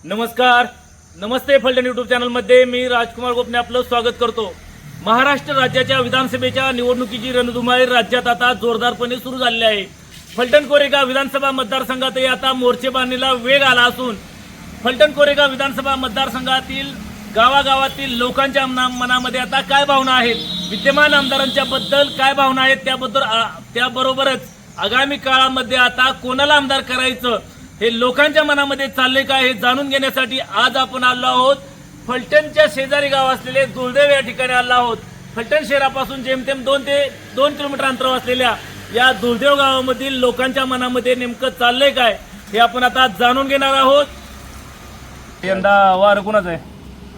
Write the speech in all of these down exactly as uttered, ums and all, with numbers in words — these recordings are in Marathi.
नमस्कार, नमस्ते फलटण यूट्यूब चॅनलमध्ये मी राजकुमार गोपने आपलं स्वागत करतो। महाराष्ट्र राज्याच्या विधानसभेच्या निवडणुकीची रणधुमाळी राज्यात आता जोरदारपणे सुरू झाली आहे। फलटण कोरेगाव विधानसभा मतदारसंघातही आता मोर्चेबांधणीला वेग आला असून फलटण कोरेगाव विधानसभा मतदारसंघातील गावागावातील लोकांच्या मनामध्ये आता काय भावना आहेत, विद्यमान आमदारांच्या बद्दल काय भावना आहेत, त्याबद्दल त्याबरोबरच आगामी काळामध्ये आता कोणाला आमदार करायचं हे लोकांच्या मनामध्ये चालले काय हे जाणून घेण्यासाठी आज आपण आलो आहोत। फलटणच्या शेजारी गाव असलेले दुर्दैव या ठिकाणी आलो आहोत। फलटण शहरापासून जेमतेम दोन ते दोन किलोमीटर अंतरावर असलेल्या या दुर्दैव गावामधील लोकांच्या मनामध्ये नेमकं चाललंय काय हे आपण आता जाणून घेणार आहोत। यंदा वार कोणाचं आहे?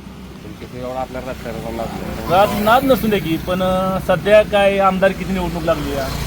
राज नाद नसून दे की, पण सध्या काय आमदार किती निवडणूक लागली आहे?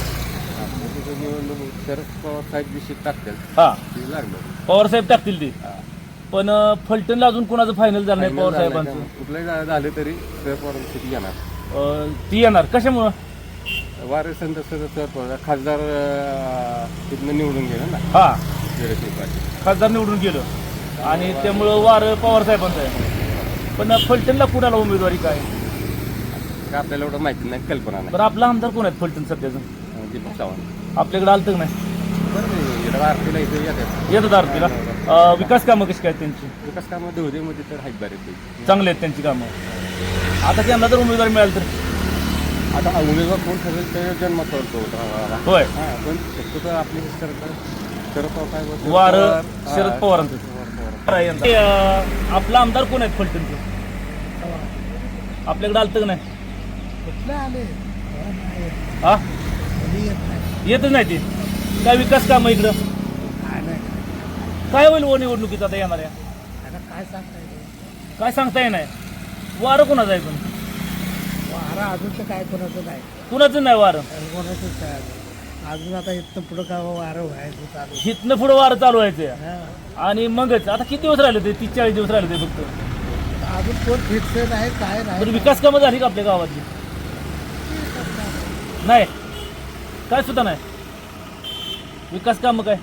हा, पवार साहेब टाकतील ती, पण फलटणला अजून कोणाचं फायनल झालं नाही? पवार साहेबांचं कुठलंही झालं तरी येणार ती येणार कशामुळं? वारे संत खासदार तिथनं निवडून गेलं ना। हा, खासदार निवडून गेलं आणि त्यामुळं वार पवार साहेबांचं आहे। पण फलटणला कुणाला उमेदवारी काय आपल्याला एवढं माहिती नाही, कल्पना नाही। बरं, आपला आमदार कोण आहेत फलटण सध्याचं? दीपक चव्हाण आपल्याकडे आलं तर नाही? आरतीला इथे येतात येतात आरतीला। विकास कामं कशी काय त्यांची? विकास कामं धुळेमध्ये तर आहेत बरेच चांगले आहेत त्यांची कामं। आता त्यांना जर उमेदवारी मिळाली तर आता उमेदवार कोण ठरेल ते जन्मात करतो होय, पण शक्यतो आपली सरकार शरद पवार वार शरद पवारांचं। आपला आमदार कोण आहेत फलटणचे? आपल्याकडे आलं तर नाही? हा, येतच नाही ते काय विकास काम इकडं? काय होईल व निवडणुकीत आता येणाऱ्या? काय सांगता येणार? वारं कोणाचं आहे? पण वारा अजून तर काय कोणाचं नाही, कुणाचं नाही वारं? कोणाचंच काय अजून। आता इथनं पुढं काय वारं व्हायचं चालू, इथनं पुढं वारं चालू व्हायचं आणि मगच आता किती दिवस राहिले ते? तीस चाळीस दिवस राहिले ते फक्त। अजून कोण फिक्स नाही, काय नाही। तर विकास कामं झाली का आपल्या गावातली? नाही, काय सुद्धा नाही विकास कामं काय?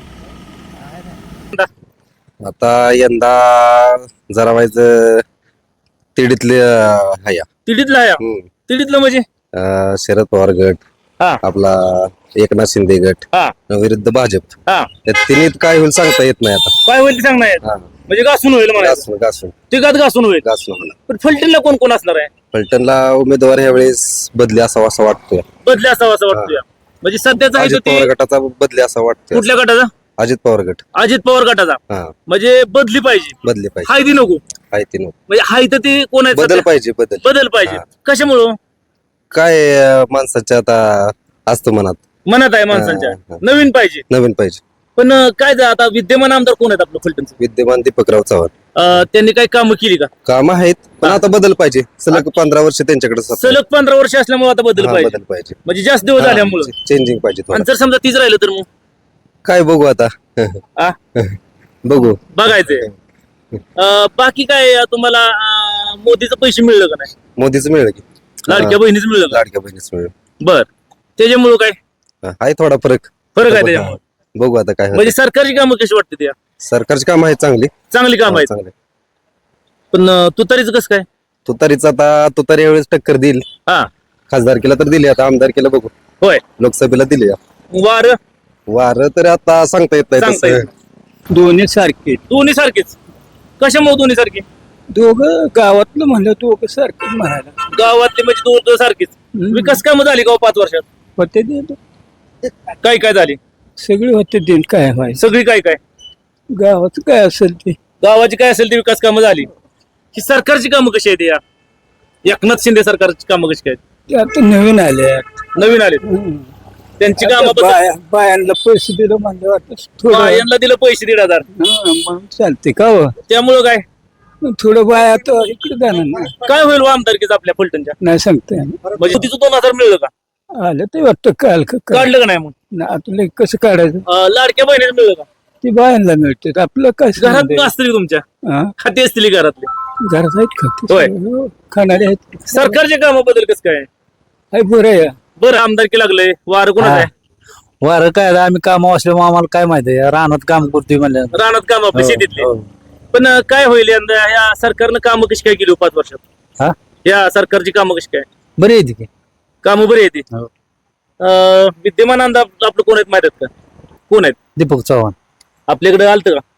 आता यंदा जरा व्हायचं तिडीतले हया तिडीतला आहे? तिडीतलं म्हणजे अं, शरद पवार गट, हा आपला एकनाथ शिंदे गट हा विरुद्ध भाजप, हा त्या तिन्हीत काय होईल सांगता येत नाही आता। काय होईल ते सांगणार आहेत? हा, म्हणजे घासून होईल मला, घासून घासून तिघात घासून होईल। घासून होणार। पण फलटणला कोण कोण असणार आहे? फलटणला उमेदवार ह्या वेळेस बदली असावा असं वाटतोय। बदले असावं असं वाटतोय। म्हणजे सध्याचा आहे तो अजित ते पवार गटाचा बदली असा वाटतोय। कुठल्या गटाचा? अजित पवार गट, अजित पवार गटाचा। हा, म्हणजे बदली पाहिजे, बदली पाहिजे। हाय ती नको, आहे ती नको, म्हणजे हाय तर ते कोण आहे? बदल सध्या? पाहिजे, बदल बदल पाहिजे। हा. कशामुळं? काय अं, माणसाच्या आता असतं मनात, मनात आहे माणसांच्या, हा, हा. नवीन पाहिजे। नवीन पाहिजे। पण अं, काय झालं आता विद्यमान आमदार कोण आहेत आपलं फलटणचं? विद्यमान दीपकराव चव्हाण, अं, त्यांनी काही कामं केली का? काम आहेत पण आता बदल पाहिजे। सलग पंधरा वर्ष त्यांच्याकडे सत्ता आहे. सलग पंधरा वर्ष असल्यामुळे आता बदल हा, पाहिजे, बदल पाहिजे, म्हणजे जास्त दिवस झाल्यामुळे। चेंजिंग पाहिजे थोडं। आणि जर समजा तीच राहिलं तर मग काय बघू आता आ? बघू बघायचंय। अं, बाकी काय अं, तुम्हाला अं, मोदीचं पैसे मिळलं का नाही? मोदीच मिळेल की, लाडक्या बहिणीच मिळलं का? लाडक्या बहिणीच मिळेल। बर, त्याच्यामुळं काय हा, आहे थोडा फरक फरक आहे त्याच्यामुळे? बघू आता काय होतं। म्हणजे सरकारची कामं कशी वाटते? त्या सरकारची काम आहेत चांगली, चांगली काम आहेत, चांगले। पण अं, तुतारीचं कसं काय? तुतारीच आता तुतारी यावेळेस टक्कर देईल। हा, खासदारकीला तर दिली, आता आमदारकीला बघू, होय। लोकसभेला दिली। वार वार तर आता सांगता येत नाही सांगता येत तसं। दोन्ही सारखे, दोन्ही सारखेच? कशामुळे दोन्ही सारखे? दोघं गावातलं म्हणलं दोघं सारखे म्हणायला गावातले म्हणजे दोन सारखेच। विकास कामं झाली का हो पाच वर्षात? होते दिन, काय काय झाली? सगळे होते दिन। काय व्हायचं सगळी काय काय गावात काय असेल ते, गावाची काय असेल ती विकास कामं झाली। ही सरकारची कामं कशी आहेत? या एकनाथ शिंदे सरकारची कामं कशी आहेत? ते आता नवीन आले। नवीन आले त्यांची कामं बद्दल- बाया बायांना पैसे दिलं म्हणजे वाटत थोडं, यांना दिलं पैसे दीड हजार, हा, मग चालते का हो? त्यामुळं काय थोडं बाया तर इकडे जाणार ना, काय होईल व आमदारकीच आपल्या फलटणच्या? नाही सांगता येणार। म्हणजे तिचं दोन हजार मिळलं का? आलं ते वाटतं काल का काय. काढलं का नाही? मग ना तुला कसं काढायचं? अं, लाडक्या बहिणीला मिळलं का? ती बायांना मिळते, आपलं काय घरात संबंध आहे? असतील तुमच्या, हा? खाती असतील घरातले, घरात आहेत का ते? होय. हो, खाणारे आहेत. सरकारच्या कामाबद्दल कसं काय? आहे बरं आहे. बरं, आमदारकी लागलंय, वार कोणाचं आहे? वारं काय आता आम्ही काम असल्यामुळे आम्हाला काय माहिती आहे, रानात काम करतोय म्हणलं. रानात काम आपल्या शेतीतले पण अं, काय होईल यंदा या सरकारनं कामं कशी काय केली हो पाच वर्षात? हा या सरकारची कामं कशी काय? बरी आहे ती कामं बरी येते. हो. विद्यमान आमदार आपलं कोण आहेत माहित आहेत का? कोण आहेत दीपक चव्हाण. आपल्याकडे आलतं का?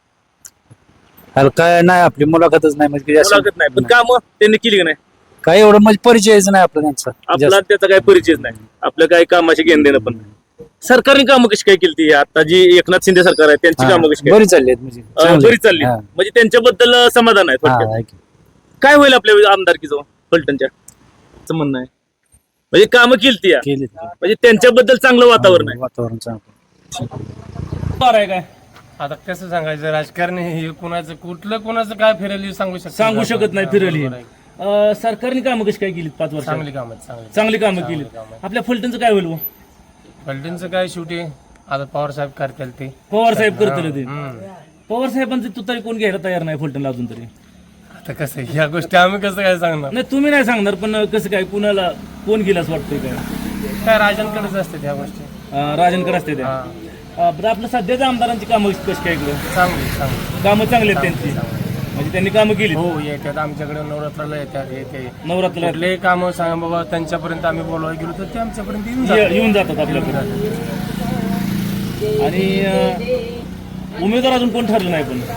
अरे काय नाही आपली मुलाखतच नाही म्हणजे जास्त- मुलाखत नाही, पण कामं त्यांनी केली का नाही? काय एवढं म्हणजे परिचयच नाही आपला त्यांचा आपला जास्त. त्याचा काही परिचयच नाही. आपल्या काही कामाची घेणं देणं पण नाही. सरकारने कामं कशी काय केली ती आता जी एकनाथ शिंदे सरकार आहे त्यांची हा, कामं कशी काय? बरी चालली आहेत म्हणजे अं, चांगली. बरी चालली हा, म्हणजे त्यांच्याबद्दल अं, समाधान आहे हा, थोडक्यात. आहे की. काय होईल आपल्या आमदारकीचं फलटणच्या असं म्हणणं आहे म्हणजे कामं केली ती केली ती. म्हणजे त्यांच्याबद्दल चांगलं वातावरण आहे. वातावरण चांगलं. बरं आहे काय आता कसं सांगायचं राजकारणी हे कुणाचं कुठलं कुणाचं काय फिरेल सांगू शकत सांगू शकत नाही फिरली. अं, सरकारने कामं कशी काय केली पाच वर्ष? चांगली कामं आहेत, चांगली चांगली कामं केली. आपल्या फलटणचं काय होईल हो? फलटणचं काय शेवटी आता पवार साहेब करतील ते पवार साहेब करतील ते. हम्म. पवार साहेबांचं तू तरी कोण घ्यायला तयार नाही फलटणला अजून तरी. आता कसं ह्या गोष्टी आम्ही कसं काय सांगणार नाही तुम्ही नाही सांगणार पण कसं काय कुणाला कोण गेलं असं वाटतंय काय? काय राजांकडेच असते ह्या गोष्टी अं, राजनकर असते त्या. हा अं, बरं, आपलं सध्याच्या आमदारांची कामं कशी काय इकडं? चांगली चांगली कामं चांगली आहेत त्यांची म्हणजे त्यांनी कामं केली. हो येतात आमच्याकडे नवरात्राला येतात हे ते नवरात्राला कुठले कामं सांगा बाबा त्यांच्यापर्यंत आम्ही बोलवायला गेलो तर ते आमच्यापर्यंत येऊन जातात. ये- येऊन जातात आपल्याकडे. आणि अं, उमेदवार अजून कोण ठरलं नाही पण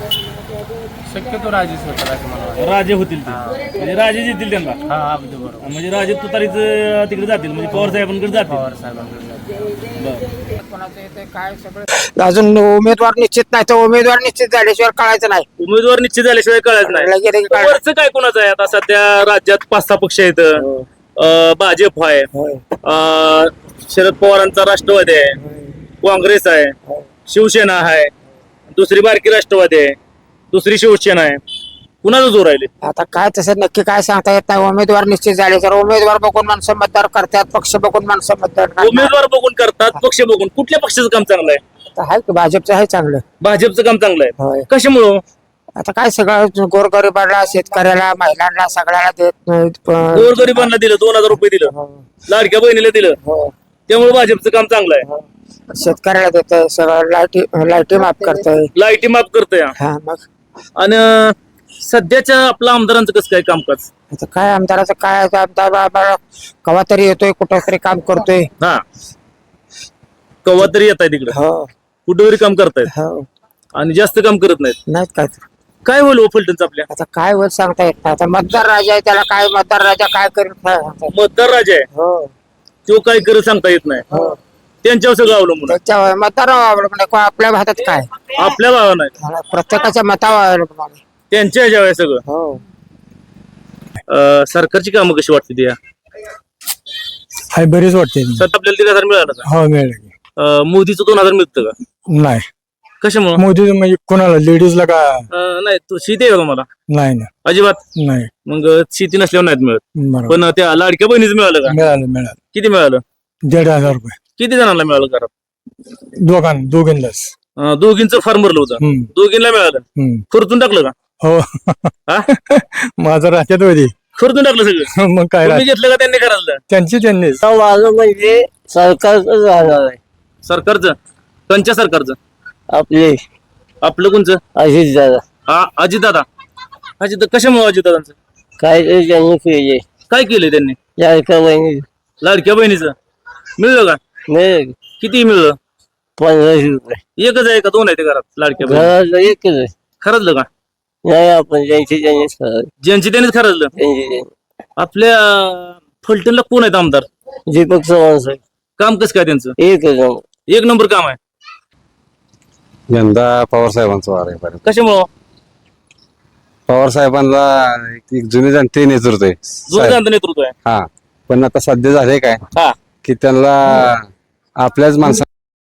शक्यतो राजेच होतात असं मला वाटतं. राजे होतील ते म्हणजे राजे येतील त्यांना हा अगदी बरोबर म्हणजे राजे तुतारीच तिकडे जातील म्हणजे पवार साहेबांकडे जातील. पवार साहेबांकडे जातात. बरं. अजून उमेदवार निश्चित नाही तर उमेदवार निश्चित झाल्याशिवाय कळायचं नाही. उमेदवार निश्चित झाल्याशिवाय कळायचं नाही. लगे लगे कळायचं. वरचं काय कोणाचं आहे आता सध्या राज्यात पाच सहा पक्ष आहेत. अं, भाजप आहे, होय. अं, शरद पवारांचा राष्ट्रवादी आहे, काँग्रेस आहे, शिवसेना आहे, दुसरी बारकी राष्ट्रवादी आहे, दुसरी शिवसेना आहे. कुणाचं जोर राहिले? आता काय तसं नक्की काय सांगता येत नाही. उमेदवार निश्चित झाले तर उमेदवार बघून माणसं मतदार करतात, पक्ष बघून माणसं मतदार करतात. उमेदवार बघून करतात, पक्ष बघून. कुठल्या पक्षाचं काम चांगलं आहे? आता आहे की भाजपचं आहे चांगलं. भाजपचं काम चांगलं आहे. होय. कशामुळं? आता काय सगळं गोरगरिबाला शेतकऱ्याला महिलांना सगळ्याला देत नाहीत. पण- गोरगरिबांना दिलं, दोन हजार रुपये दिलं, हो. लाडक्या बहिणीला दिलं, हो. त्यामुळे भाजपचं काम चांगलं आहे. हो. शेतकऱ्याला देत सगळं लाईटी लाईटी माफ करतोय. लाईटी माफ करतोय हा. हा मग आणि सध्याच्या आपल्या आमदारांचं कसं काय कामकाज? आता काय आमदाराचं काय आता आमदार बाबा कवा तरी येतोय कुठं तरी काम करतोय. हा कवा तरी येत आहे तिकडे, हो कुठं तरी काम करतायत हो आणि जास्त काम करत नाहीत. नाहीत काय तर. काय होईल फलटणचं आपल्या? आता काय वर सांगता येत नाही. आता मतदार राजा आहे त्याला काय मतदार राजा काय करेल काय सांगता येत मतदार राजा आहे, नाही. हो तो काय करत सांगता येत नाही. हो त्यांच्यावर सगळं अवलंबून आहे. त्याच्यावर मतदारावर अवलंबून आहे. को- आपल्या भागात काय आपल्या भावा नाही, प्रत्येकाच्या मतावर अवलंबून आहे. त्यांच्या ह्याच्यावर आहे सगळं. हो अं, सरकारची कामं कशी वाटते ती या? हाय बरीच वाटते सर आपल्याला दीड हजार मिळालं का? हो मिळेल. अं, मोदीचं दोन हजार मिळतं का? नाही कशामुळं? मोदी म्हणजे कोणाला लेडीजला का अं, नाही तू शेती आहे का तुम्हाला? नाही ना अजिबात नाही मग शेती नसल्यावर नाहीत मिळत. बरोबर पण त्या लाडक्या बहिणीचं मिळालं का? मिळालं मिळालं किती मिळालं? दीड हजार रुपये किती जणांना मिळालं घरात? दोघां दोघींनाच. अं, दोघींचं फॉर्म भरलं होतं, हम्म, दोघींना मिळालं. हम्म. खर्चून टाकलं का? हो हा माझं राज्यात होती खर्चून टाकलं सगळं. मग काय तुम्ही राहत- घेतलं का त्यांनी करायला? त्यांची त्यांनीच. माझं म्हणजे सरकारच राहणार आहे. सरकारचं? कोणच्या सरकारचं? आपले आपलं कोणचं? अजित दादा हा अजितदादा. अजित कशामुळे अजितदादांचं? काय तरी त्यांनी केले काय केलंय त्यांनी? लाडका बहिणी लाडक्या बहिणीचं मिळलं का? मिळेल किती मिळलं? पंधराशे रुपये एकच आहे का दोन आहे ते घरात लाडक्या बहिणी? घराला एकच आहे. खरंचलं का? नाही आपण ज्यांची त्यांनीच करावे. ज्यांची त्यांनीच खरंचलं. त्यांची त्यांनी आपल्या फलटणला कोण आहेत आमदार? दीपक चव्हाण साहेब काम कसं काय त्यांचं? एकच नंबर. एक नंबर काम आहे. यंदा पवार साहेबांचं वार आहे बरं. कशामुळं? पवार साहेबांना एक- एक जुने जाणते नेतृत्व आहे जुनं साहेब. जाणतं नेतृत्व आहे. हा पण आता सध्या झाले काय हा की त्यांना आपल्याच माणसा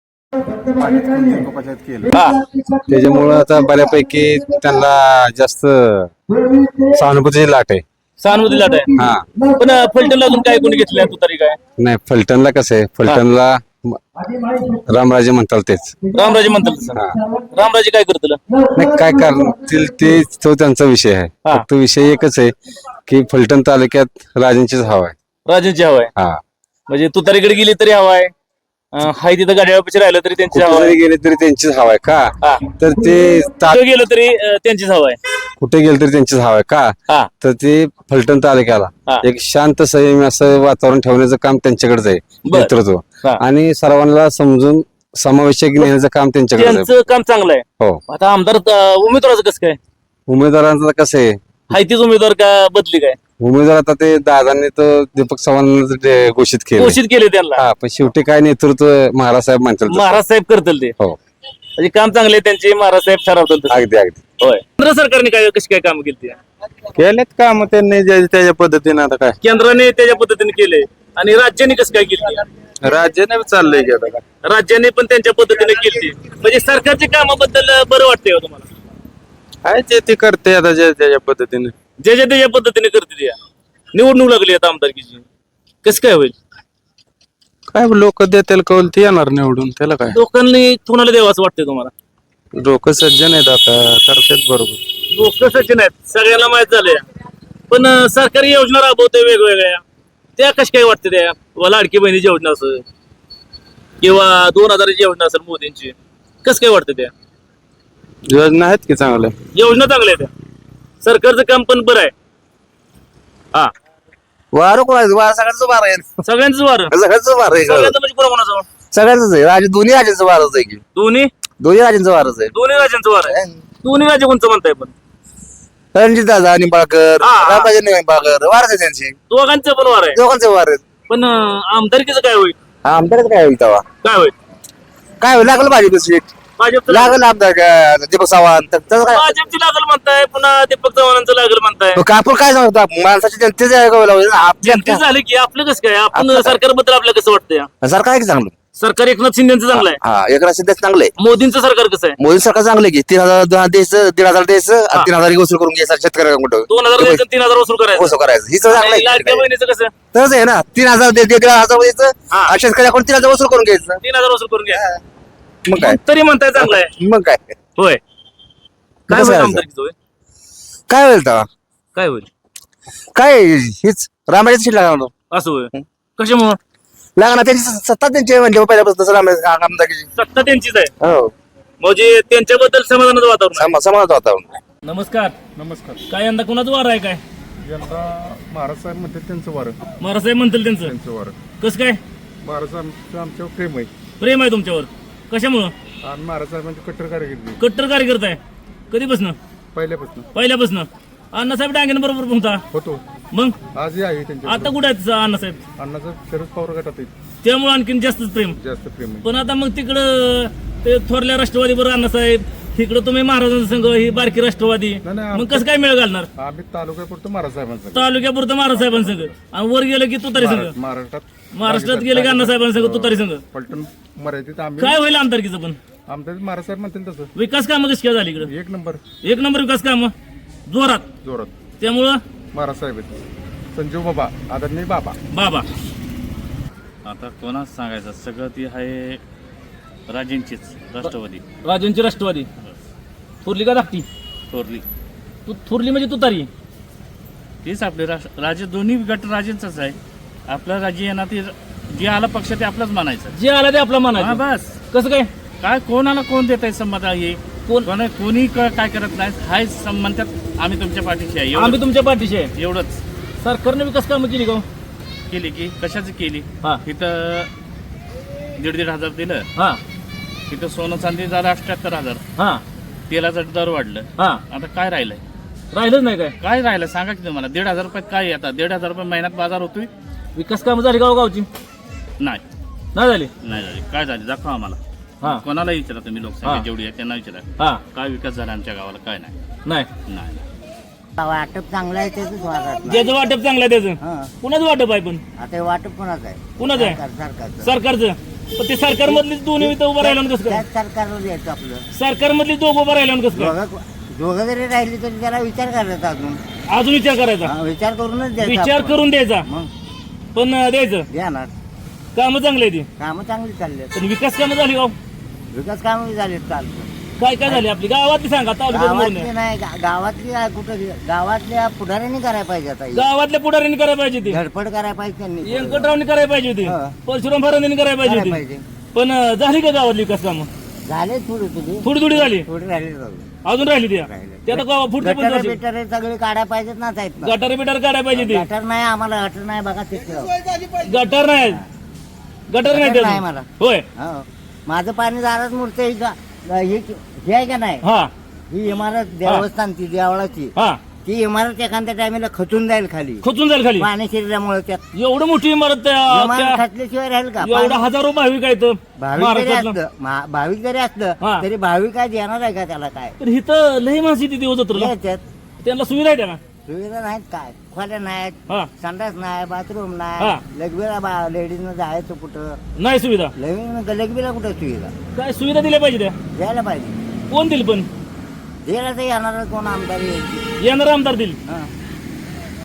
हा त्याच्यामुळं आता बऱ्यापैकी त्यांना जास्त सहानुभूतीची लाट आहे. सहानुभूती लाट आहे. हा पण अं, फलटणला अजून काय कोणी घेतलं तू तरी काय? नाही फलटणला कसं आहे फलटणला रामराजे म्हणतात तेच. रामराजे म्हणतात तसं. हा रामराजे काय करतील? नाही काय करतील ते तो त्यांचा विषय आहे. हा. फक्त विषय एकच आहे की फलटण तालुक्यात राजांचीच हवा आहे. राजेंची हवा आहे हा म्हणजे तुतारीकडे गेली तरी हवा आहे, अं, हाय तिथं गाड्यापाशी राहिलं तरी त्यांची कुठे हवा जरी आहे गेले तरी त्यांचीच हवा आहे हा. का तर ते ता- कुठं गेलं तरी अं, त्यांचीच हवा आहे कुठे गेले तरी त्यांचीच हवा आहे का हा तर ते फलटण हा. तालुक्याला एक शांत संयमी असं वातावरण ठेवण्याचं काम त्यांच्याकडेच आहे बर. नेतृत्व हा. आणि सर्वांना समजून समावेशक नेण्याचं काम त्यांच्याकडेच आहे त्यांचं काम चांगलं आहे हो आता आमदार अं, उमेदवाराचं कसं काय उमेदवारांचं कसं आहे हाय तीच उमेदवार का बदली काय उमेदवार आता ते दादांनी तर दीपक चव्हाणांना ते घोषित केले घोषित केले त्यांना हा पण शेवटी काय नेतृत्व महाराज साहेब म्हणतील तसं. महाराज साहेब करतील ते हो म्हणजे काम चांगले आहे त्यांचे महाराज साहेब ठरवतील तसं. अगदी अगदी होय केंद्र सरकारने काय कशी काय काम केली केलेत का मग त्यांनी जे- त्याच्या पद्धतीने आता काय केंद्राने त्याच्या पद्धतीने केले आणि राज्याने कसं काय केली राज्याने चाललंय की आता काय राज्याने पण त्यांच्या पद्धतीने केली म्हणजे सरकारच्या कामाबद्दल बरं वाटतंय का तुम्हाला काय ते ते करते आता जे त्याच्या पद्धतीने जे जे त्याच्या पद्धतीने करते त्या निवडणूक लागली आता आमदारकीची कसं काय होईल काय लोक देतील कौल ते येणार निवडून त्याला काय लोकांनी कुणाला द्यावं असं वाटतंय तुम्हाला लोक सज्जन आहेत आता करतात बरोबर लोक सचिन आहेत सगळ्यांना माहित झालंय पण अं, सरकारी योजना राबवते वेगवेगळ्या त्या कशा काय वाटते त्या किंवा लाडकी बहिणीची योजना असेल किंवा दोन हजाराची योजना असेल मोदींची कसं काय वाटतं त्या योजना आहेत की चांगल्या योजना चांगल्या आहेत त्या सरकारचं काम पण बरं आहे हा वारं कोणाचं वारं सगळ्यांचं वारं आहे सगळ्यांचं वारं सगळ्यांचं वारं आहे सगळ्यांचं म्हणजे कोणा कोणाचं सगळ्यांचंच आहे राजे दोन्ही राजांचं वारच आहे की दोन्ही दोन्ही राजांचं वारच आहे दोन्ही राज्यांचं वारं आहे दोन्ही राज्य कोणचं म्हणताय पण रणजित दादा निंबाळकर हा. रामराजे निंबाळकर वारच आहे त्यांची दोघांचं पण वार आहे दोघांचे वार आहेत पण अं, आमदारकीचं काय होईल आमदार काय होईल तेव्हा काय होईल काय होईल लागलं भाजप सीट भाजपचं लागलं आमदार काय, दीपक चव्हाण तर त्याचं काय भाजपची लागल म्हणताय पुन्हा दीपक चव्हाणांचं लागल म्हणताय मग आपण काय सांगतो आपण? माणसाची जनतेच आपल्या ते झालं की आपलं कसं काय आपण आपलं काय? सरकारबद्दल आपलं कसं वाटतंय सरकार आहे की चांगलं सरकार एकनाथ शिंदेचं चांगलं आहे हा एकनाथ शिंदे चांगलं आहे मोदींचं सरकार कसं आहे मोदी सरकार चांगलं आहे की तीन हजार दोन द्यायचं दीड हजार द्यायचं हा. आणि तीन हजार वसूल करून घ्यायचं शेतकऱ्यांकडून दोन हजार द्यायचं तीन हजार वसूल करायचं वसूल करायचं ही चांगलं आणि लाडक्या आहे बहिणीचं कसं तसंच आहे ना तीन हजार दे- दे- दीड हजार द्यायचं हा. आणि शेतकऱ्याकडून तीन हजार वसूल करून घ्यायचं तीन हजार वसूल करून घ्या मग काय तरी म्हणताय चांगलं आहे मग काय होय काय कसं होईल आहे आमदारकीचं होय? काय होईल तेव्हा काय होईल काय हीच रामाची सीट लागणार असं होय कशामुळं लागणार त्यांची स- सत्ता त्यांची आहे म्हणजे पहिल्यापासून तसं रामाची आमदारकीची सत्ता त्यांचीच आहे हो म्हणजे त्यांच्याबद्दल समाधानाचं वातावरण आहे. समा- समाजात वातावरण नमस्कार नमस्कार काय यंदा कुणाचं वार आहे काय यंदा महाराज साहेब म्हणते त्यांचं वारं महाराज साहेब म्हणतील त्यांचं त्यांचं वारं कसं काय महाराज साहेब आमच्यावर प्रेम आहे प्रेम आहे तुमच्यावर कशामुळं आणि महाराज साहेबांची कट्टर कारकिर्दी कट्टर कार्यकर्ता आहे कधीपासून पहिल्यापासून पहिल्यापासून अण्णासाहेब डांगेन बरोबर पोहता होतो मग आजही आहे त्यांच्या आता कुठे आहेत अण्णासाहेब अण्णाचं शरद पवार गटात आहे. त्यामुळे आणखीन जास्तच प्रेम जास्त प्रेम आहे पण आता मग तिकडं ते थोरल्या राष्ट्रवादी बरोबर अण्णासाहेब इकडं तुम्ही महाराजांचा संघ ही बारकी राष्ट्रवादी नाही, नाही, मग कसं काय मेळ घालणार आम्ही तालुक्यापुरतं महाराज साहेबांचं तालुक्यापुरतं महाराज साहेबांसंघ आणि वर गेलं की तुतारी संघ महाराष्ट्रात महाराष्ट्रात गेले की अण्णासाहेबांसंघ तुतारी संघ पलटण मराठीत आम्ही काय होईल आमदारकीचं पण आमच्या महाराज साहेब म्हणतील तसं विकास कामं कशी काय झाली इकडं एक नंबर एक नंबर विकास कामं जोरात जोरात त्यामुळं महाराज साहेब आहेत संजीव बाबा आदरणीय बाबा बाबा आता कोणाच सांगायचं सगळं ती आहे राजेंचीच राष्ट्रवादी राजांची राष्ट्रवादी थोरली का धाकटी थोरली तू थोरली म्हणजे तुतारी तीच आपले राष्ट्र राजे दोन्ही गट राजेंचाच आहे आपलं राज्य येणार ते जे आला पक्ष ते आपलाच मानायचं जे आला ते आपला हा मानायचं बस कसं काय काय कोणाला कोण देत आहे संमत आहे कोण कोण कोणी क- काय करत नाही हाय सम- म्हणतात आम्ही तुमच्या पाठीशी आहे आम्ही एवढं- तुमच्या पाठीशी आहे एवढंच सरकारने विकास कामं केली का हो? केली की कशाची केली हा इथं दीड दीड हजार दिलं हा तिथं सोनं चांदी झालं अठ्याहत्तर हजार हा तेलाचं दर वाढलं हा आता काय राहिलंय राहिलंच नाही काय काय राहिलं सांगा की तुम्हाला दीड हजार रुपयात काय येतात दीड हजार रुपये महिन्यात बाजार होतोय विकास कामं झाली का हो गावची नाही नाही झाली नाही झाली काय झाली दाखवा आम्हाला हा कोणाला विचारा तुम्ही लोकसंख्या हा. जेवढी आहे त्यांना विचारा हा काय विकास झाला आमच्या गावाला काय नाही नाही नाही वाटप चांगलं आहे त्याच वाटप ज्याचं वाटप चांगलं आहे त्याचं कुणाचं वाटप आहे पण आता वाटप कोणाचं आहे कुणाचं आहे सरकार- सरकारचं सरकारचं पण ते सरकारमधलीच दोन्ही इथं उभं राहिलं ना कसं काय त्याच सरकारला द्यायचं आपलं सरकारमधली दोघं उभं राहिलं ना कसं काय दोघं दोघं जरी राहिली तरी त्याला विचार करायचा अजून अजून विचार करायचा हा, विचार करूनच द्यायचा विचार आपण. करून द्यायचा मग पण अं, द्यायचं द्या ना कामं चांगली आहे ती कामं चांगली चालली आहेत. पण विकास कामं झाली का हो? विकास कामं झाले चालतं काय काय झाली आपली गावातली सांगा तालुक्यात गावातली बोलून. नाही गा- गावातली आ- कुठं गावातल्या पुढाऱ्यांनी करायला पाहिजे आता हे. गावातल्या पुढाऱ्यांनी करायला पाहिजे ती धडपड करायला पाहिजे त्यांनी व्यंकटरावनी करायला पाहिजे होती हा. परशुराम फरांनी करायला पाहिजे करायला होती पाहिजे पण अं, झाली का गावातली विकास कामं झाले थोडी थोडी थोडी थोडी झाली थोडी राहिली अजून राहिली त्या ते आता गावा- पुढच्या गटार पंचायत बिटार सगळे काढायला पाहिजेत ना साहेब गटार बिटार काढायला पाहिजे ते गटार नाही आम्हाला गटर नाही बघा तिथे गटार नाही गटार नाही गटार त्याचं. नाही मला. होय हो. माझं पाणी दारात मूर्ती ही गा- ही ही आहे का नाही हा ही इमारत देवस्थान ती देवळाची हा ती इमारत एखाद्या टायमाला खचून जाईल खाली खचून जाईल खाली पाणी शिरल्यामुळे त्यात एवढं मोठी इमारत त्या- इमारत त्या- खचल्याशिवाय राहील का एवढा पाणी- हजारो भाविक आहेत भाविक जरी महाराष्ट्रातलं असलं मा- भाविक जरी हा. असलं तरी भाविक काय देणार आहे का त्याला काय तर इथं लई माणसं येते दिवस जत्रेला याच्यात त्यांना सुविधा आहे का सुविधा नाहीत काय खोल्या नाहीत हा संडास नाही बाथरूम हा. नाही लगबीला लेडीजनं जायचं कुठं नाही सुविधा लगीन लगबीला कुठं सुविधा काय सुविधा दिल्या पाहिजे त्या द्यायला पाहिजे कोण दिल पण द्यायला तर येणार कोण आमदार यायची येणार आमदार दिल हा.